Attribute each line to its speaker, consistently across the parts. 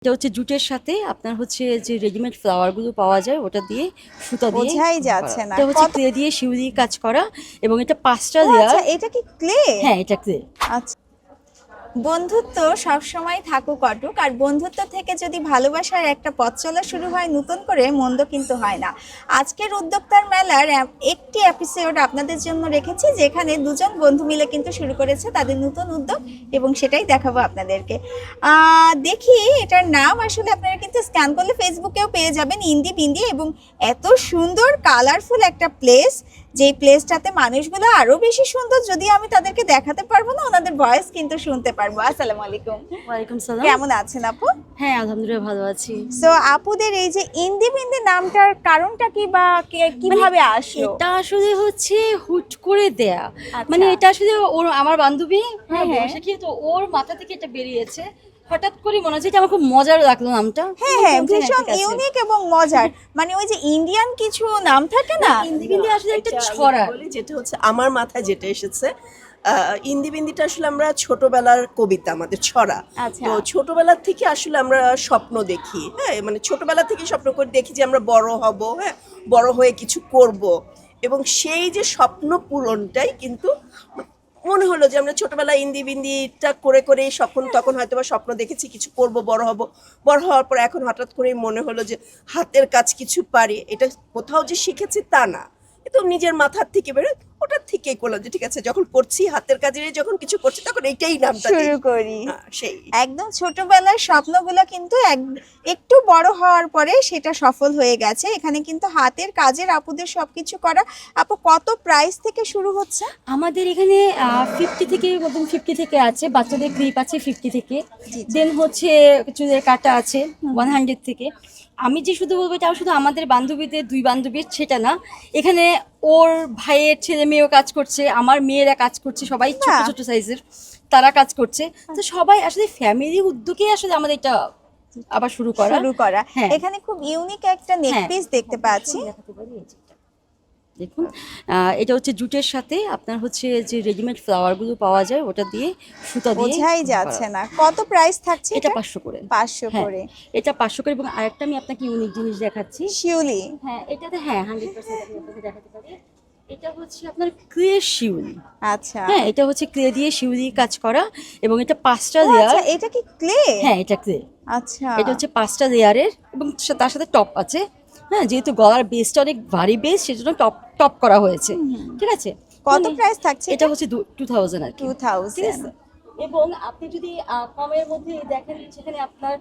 Speaker 1: এটা হচ্ছে জুটের সাথে আপনার হচ্ছে যে রেডিমেড ফ্লাওয়ার গুলো পাওয়া যায় ওটা দিয়ে সুতা দিয়ে
Speaker 2: বোঝাই
Speaker 1: করা।
Speaker 2: যাচ্ছে না
Speaker 1: এটা হচ্ছে
Speaker 2: কত।
Speaker 1: ক্লে দিয়ে শিউলি কাজ করা এবং এটা 5টা
Speaker 2: ও
Speaker 1: লেয়ার।
Speaker 2: আচ্ছা, এটা কি ক্লে?
Speaker 1: হ্যাঁ, এটা ক্লে।
Speaker 2: আচ্ছা, বন্ধুত্ব সবসময় থাকুক অটুক, আর বন্ধুত্ব থেকে যদি ভালোবাসার একটা পথ চলা শুরু হয় নতুন করে, মন্দ কিন্তু হয় না। আজকের উদ্যোক্তার মেলার একটি এপিসোড আপনাদের জন্য রেখেছি, যেখানে দুজন বন্ধু মিলে কিন্তু শুরু করেছে তাদের নতুন উদ্যোগ, এবং সেটাই দেখাবো আপনাদেরকে। দেখি এটার নাম, আসলে আপনারা কিন্তু স্ক্যান করলে ফেসবুকেও পেয়ে যাবেন, ইন্দি বিন্দি। এবং এত সুন্দর কালারফুল একটা প্লেস, যেই প্লেসটাতে মানুষগুলো আরো বেশি সুন্দর, যদি আমি তাদেরকে দেখাতে পারবো না, ওনাদের ভয়েস কিন্তু শুনতে পারবো। আসসালামু আলাইকুম।
Speaker 1: ওয়ালাইকুম সালাম।
Speaker 2: কেমন আছেন আপু?
Speaker 1: হ্যাঁ, আলহামদুলিল্লাহ ভালো আছি।
Speaker 2: সো আপুদের এই যে ইন্দি বিন্দি নামটার কারণটা কি, বা কিভাবে আসলো?
Speaker 1: এটা আসলে হচ্ছে হুট করে দেয়া।
Speaker 2: আচ্ছা।
Speaker 1: মানে এটা আসলে ওর আমার বান্ধবী
Speaker 2: হ্যাঁ, হ্যাঁ।
Speaker 1: বসে তো ওর মাথা থেকে এটা বেরিয়েছে। হঠাৎ করে মনে হচ্ছে এটা আমার খুব মজার লাগলো নামটা।
Speaker 2: হ্যাঁ হ্যাঁ,
Speaker 1: ঠিক
Speaker 2: ভীষণ
Speaker 1: আছে।
Speaker 2: ইউনিক এবং মজার। মানে ওই যে ইন্ডিয়ান কিছু নাম থাকে না।
Speaker 1: হিন্দি বিন্দি আসলে একটা
Speaker 3: এটা আমি
Speaker 1: ছড়া।
Speaker 3: বলি, যেটা হচ্ছে আমার মাথায় যেটা এসেছে, ইন্দি বিন্দিটা আসলে আমরা ছোটবেলার কবিতা, আমাদের ছড়া।
Speaker 2: আচ্ছা।
Speaker 3: তো ছোটবেলা থেকে আসলে আমরা স্বপ্ন দেখি, হ্যাঁ, মানে ছোটবেলা থেকে স্বপ্ন করে দেখি যে আমরা বড় হব, হ্যাঁ, বড় হয়ে কিছু করব, এবং সেই যে স্বপ্ন পূরণটাই কিন্তু মনে হলো যে আমরা ছোটবেলায় ইন্দি বিন্দিটা করে করে তখন হয়তো বা স্বপ্ন দেখেছি কিছু করব, বড় হব। বড় হওয়ার পর এখন হঠাৎ করেই মনে হলো যে হাতের কাজ কিছু পারি। এটা কোথাও যে শিখেছি তা না, তো নিজের মাথার থেকে বেরোয়, ওটার থেকেই করলাম যে ঠিক আছে, যখন করছি হাতের কাজের, যখন কিছু করছি তখন এইটাই নামটা দিই।
Speaker 2: শুরু করি।
Speaker 3: সেই
Speaker 2: একদম ছোটবেলার স্বপ্নগুলো কিন্তু একটু বড় হওয়ার পরে সেটা সফল হয়ে গেছে। এখানে কিন্তু হাতের কাজের আপুদের সবকিছু করা। আপু, কত প্রাইস থেকে শুরু হচ্ছে?
Speaker 1: আমাদের এখানে 50 থেকে মতন 50 থেকে আছে, বাচ্চাদের ক্লিপ আছে 50 থেকে। দেন হচ্ছে চুলের কাটা আছে 100 থেকে। আমি যে শুধু বলবো এটা শুধু আমাদের বান্ধবীদের, দুই বান্ধবীর সেটা না, এখানে ওর ভাইয়ের ছেলে মেয়েও কাজ করছে, আমার মেয়েরা কাজ করছে, সবাই ছোট
Speaker 2: বাহ।
Speaker 1: ছোট সাইজের তারা কাজ করছে। তো সবাই আসলে ফ্যামিলি উদ্যোগে আসলে আমাদের এটা আবার শুরু করা। হ্যাঁ।
Speaker 2: এখানে খুব ইউনিক একটা নেক
Speaker 1: হ্যাঁ।
Speaker 2: পিস দেখতে পাচ্ছি।
Speaker 1: দেখাতে পারি এই যে এটা। দেখুন, এটা হচ্ছে জুটের সাথে আপনার হচ্ছে যে রেডিমেড ফ্লাওয়ার গুলো পাওয়া যায় ওটা দিয়ে সুতা দিয়ে
Speaker 2: বোঝাই
Speaker 1: করা।
Speaker 2: যাচ্ছে না কত প্রাইস থাকছে
Speaker 1: এটা 500 করে।
Speaker 2: 500
Speaker 1: হ্যাঁ,
Speaker 2: করে।
Speaker 1: এটা 500 করে। এবং আরেকটা আমি আপনাকে ইউনিক জিনিস দেখাচ্ছি।
Speaker 2: শিউলি।
Speaker 1: হ্যাঁ, এটাতে 100% আমি আপনাকে দেখাতে পারি। এটা হচ্ছে আপনার ক্লে শিউলি।
Speaker 2: আচ্ছা।
Speaker 1: হ্যাঁ, এটা হচ্ছে ক্লে দিয়ে শিউলি কাজ করা এবং এটা 5টা
Speaker 2: ও
Speaker 1: লেয়ার।
Speaker 2: আচ্ছা, এটা কি ক্লে?
Speaker 1: হ্যাঁ, এটা ক্লে।
Speaker 2: আচ্ছা।
Speaker 1: এটা হচ্ছে 5টা লেয়ারের এবং তার সাথে টপ আছে। হ্যাঁ, যেহেতু গলার বেসটা অনেক ভারী বেস, সেজন্য টপ টপ করা হয়েছে। ঠিক আছে।
Speaker 2: কত
Speaker 1: মানে
Speaker 2: প্রাইস থাকছে
Speaker 1: এটা হচ্ছে 2000 আর কি।
Speaker 2: 2000।
Speaker 1: ঠিক আছে। এবং আপনি যদি কমের মধ্যে দেখেন, সেখানে আপনার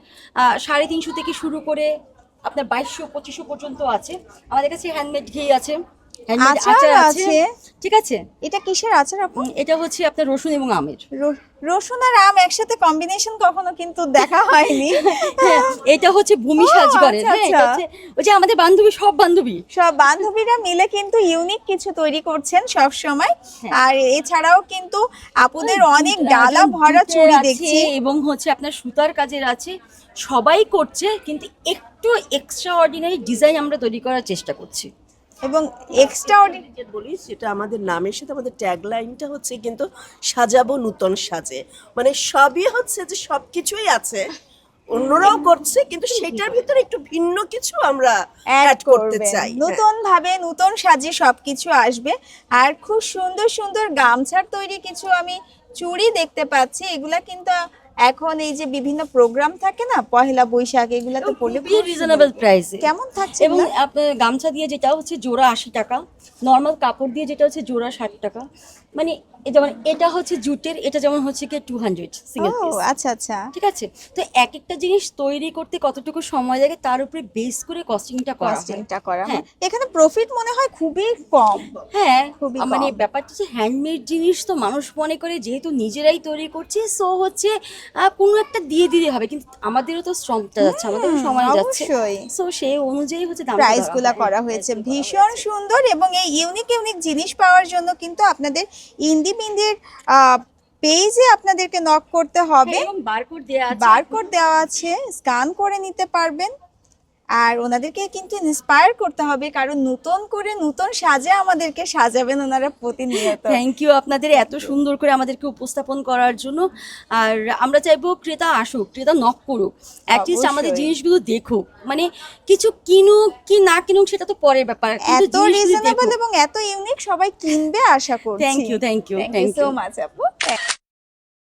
Speaker 1: 350 থেকে শুরু করে আপনার 2200-2500 পর্যন্ত আছে। আমাদের কাছে হ্যান্ডমেড ঘি আছে, হ্যান্ডমেড
Speaker 2: আচার
Speaker 1: আচার আছে।
Speaker 2: আছে।
Speaker 1: ঠিক আছে।
Speaker 2: এটা কিসের আচার আপু?
Speaker 1: এটা হচ্ছে আপনার রসুন এবং আমের।
Speaker 2: রসুন আর আম একসাথে কম্বিনেশন কখনো কিন্তু দেখা হয়নি।
Speaker 1: হ্যাঁ, এটা হচ্ছে ভূমি
Speaker 2: ও,
Speaker 1: সাজগরের।
Speaker 2: আচ্ছা,
Speaker 1: হ্যাঁ, এটা
Speaker 2: আচ্ছা।
Speaker 1: হচ্ছে ওই যে আমাদের বান্ধবী, সব বান্ধবী
Speaker 2: সব বান্ধবীরা মিলে কিন্তু ইউনিক কিছু তৈরি করছেন সব সময়।
Speaker 1: হ্যাঁ।
Speaker 2: আর এছাড়াও কিন্তু আপুদের অনেক ডালা
Speaker 1: যেমন
Speaker 2: ভরা
Speaker 1: জুটের
Speaker 2: চুড়ি
Speaker 1: আছে
Speaker 2: দেখছি।
Speaker 1: এবং হচ্ছে আপনার সুতার কাজের আছে। সবাই করছে, কিন্তু একটু এক্সট্রা অর্ডিনারি ডিজাইন আমরা তৈরি করার চেষ্টা করছি।
Speaker 2: এবং এক্সট্রা
Speaker 3: যে বলি, সেটা আমাদের নামের সাথে আমাদের ট্যাগলাইনটা হচ্ছে কিন্তু সাজাবো নূতন সাজে। মানে সবই হচ্ছে যে সবকিছুই আছে, অন্যরাও করছে, কিন্তু সেটার ভিতরে একটু ভিন্ন কিছু আমরা
Speaker 2: অ্যাড
Speaker 3: করতে
Speaker 2: করবেন
Speaker 3: চাই। হ্যাঁ।
Speaker 2: নতুন ভাবে, নতুন সাজে সবকিছু আসবে। আর খুব সুন্দর সুন্দর গামছার তৈরি কিছু আমি চুড়ি দেখতে পাচ্ছি। এগুলা কিন্তু এখন এই যে বিভিন্ন প্রোগ্রাম থাকে না, পহেলা বৈশাখ, এগুলাতে পড়লে
Speaker 1: খুবই রিজনেবল প্রাইসে।
Speaker 2: কেমন থাকছে
Speaker 1: এবং
Speaker 2: এগুলা?
Speaker 1: আপনার গামছা দিয়ে যেটা হচ্ছে জোড়া 80 টাকা, নর্মাল কাপড় দিয়ে যেটা হচ্ছে জোড়া 60 টাকা। মানে যেমন এটা হচ্ছে জুটের, এটা যেমন হচ্ছে কি 200 সিঙ্গেল
Speaker 2: ও
Speaker 1: পিস।
Speaker 2: আচ্ছা আচ্ছা।
Speaker 1: ঠিক আছে। তো এক একটা জিনিস তৈরি করতে কতটুকু সময় লাগে তার উপরে বেস করে কস্টিংটা করা হয়।
Speaker 2: কস্টিংটা করা।
Speaker 1: হ্যাঁ।
Speaker 2: এখানে প্রফিট মনে হয় খুবই কম।
Speaker 1: হ্যাঁ,
Speaker 2: খুবই
Speaker 1: মানে
Speaker 2: কম।
Speaker 1: ব্যাপারটা হচ্ছে হ্যান্ডমেড জিনিস তো মানুষ মনে করে যেহেতু নিজেরাই তৈরি করছি, সো হচ্ছে কোনো একটা দিয়ে দিলে হবে, কিন্তু আমাদেরও তো শ্রমটা যাচ্ছে, আমাদেরও সময় যাচ্ছে।
Speaker 2: অবশ্যই।
Speaker 1: সো সেই অনুযায়ী হচ্ছে দামটা
Speaker 2: প্রাইস
Speaker 1: ধরা
Speaker 2: গুলা
Speaker 1: হয়।
Speaker 2: করা হয়েছে ভীষণ সুন্দর। এবং এই ইউনিক ইউনিক জিনিস পাওয়ার জন্য কিন্তু আপনাদের ইন্দি বিন্দির পেজে আপনাদেরকে নক করতে হবে।
Speaker 1: হ্যাঁ, এবং বারকোড দেয়া আছে।
Speaker 2: বারকোড দেওয়া আছে, স্ক্যান করে নিতে পারবেন। আর ওনাদেরকে কিন্তু ইন্সপায়ার করতে হবে, কারণ নতুন করে নতুন সাজে আমাদেরকে সাজাবেন ওনারা প্রতিনিয়ত।
Speaker 1: থ্যাংক ইউ আপনাদের এত সুন্দর করে আমাদেরকে উপস্থাপন করার জন্য। আর আমরা চাইবো ক্রেতা আসুক, ক্রেতা নক করুক, অ্যাটলিস্ট আমাদের
Speaker 2: অবশ্যই।
Speaker 1: জিনিসগুলো দেখুক। মানে কিছু কিনুক কি না কিনুক সেটা তো পরের ব্যাপার, কিন্তু
Speaker 2: এত রিজনেবল এবং এত ইউনিক, সবাই কিনবে আশা করছি।
Speaker 1: Thank you, thank you,
Speaker 2: thank you so much আপু।